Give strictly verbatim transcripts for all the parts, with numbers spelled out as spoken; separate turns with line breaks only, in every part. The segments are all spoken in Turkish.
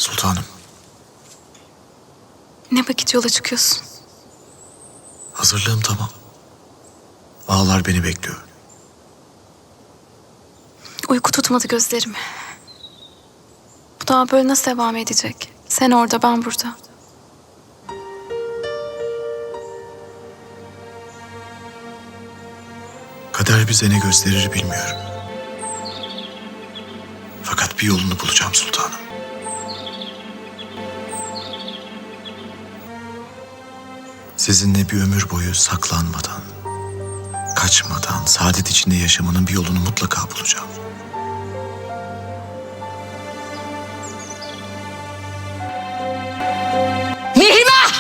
Sultanım,
Ne vakit yola çıkıyorsun?
hazırlığım tamam. Ağalar beni bekliyor.
Uyku tutmadı gözlerim. Bu daha böyle nasıl devam edecek? Sen orada, ben burada.
Kader bize ne gösterir bilmiyorum. Fakat bir yolunu bulacağım sultanım. Sizinle bir ömür boyu saklanmadan, kaçmadan, saadet içinde yaşamanın bir yolunu mutlaka bulacağım.
Mihrimah!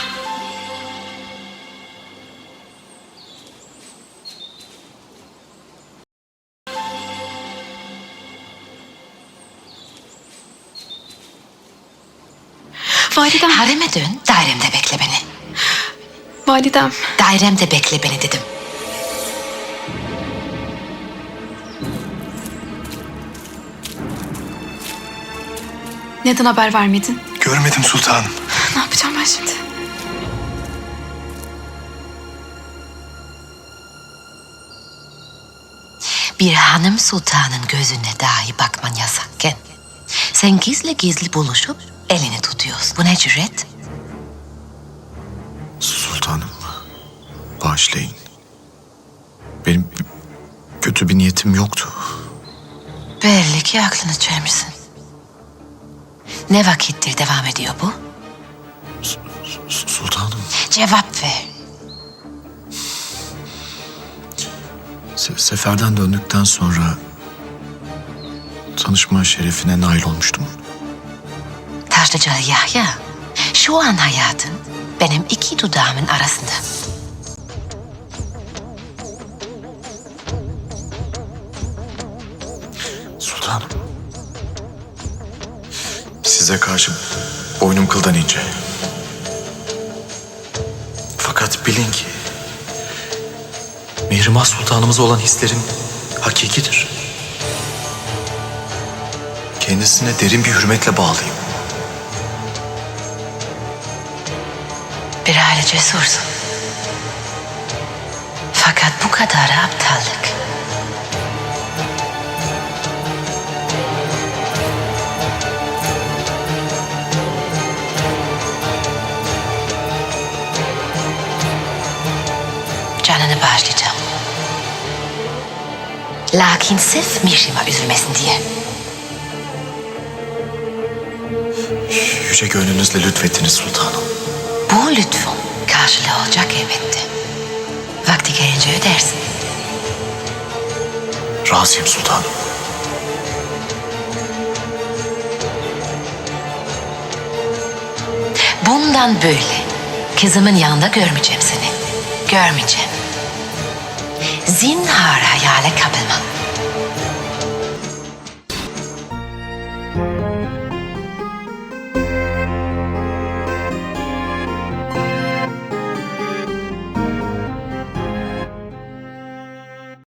Validem,
Hareme dön, dairemde bekle beni.
validem.
Dairemde bekle beni dedim.
Neden haber vermedin?
Görmedim sultanım.
Ne yapacağım ben şimdi?
Bir hanım sultanın gözüne dahi bakman yasakken sen gizli gizli buluşup elini tutuyorsun. Bu ne cüret?
Sultanım, bağışlayın. Benim kötü bir niyetim yoktu.
Belli ki aklını çelmişsin. Ne vakittir devam ediyor bu?
S- Sultanım,
Cevap ver.
se- seferden döndükten sonra tanışma şerefine nail olmuştum.
Taşlıcalı Yahya, şu an hayatın benim iki dudağımın arasında.
Sultanım, size karşı boynum kıldan ince. Fakat bilin ki Mihrimah Sultanımıza olan hislerim hakikidir. Kendisine derin bir hürmetle bağlıyım.
Bir aile cesursun. Fakat bu kadar aptallık. Canını bağışlayacağım. Lakin sırf Mihrimah üzülmesin diye.
Yüce gönlünüzle lütfettiniz sultanım.
Bu lütfun karşılığı olacak elbette. Vakti gelince ödersin.
Razıyım sultanım.
Bundan böyle kızımın yanında görmeyeceğim seni. Görmeyeceğim. Zinhar hayale kapılma.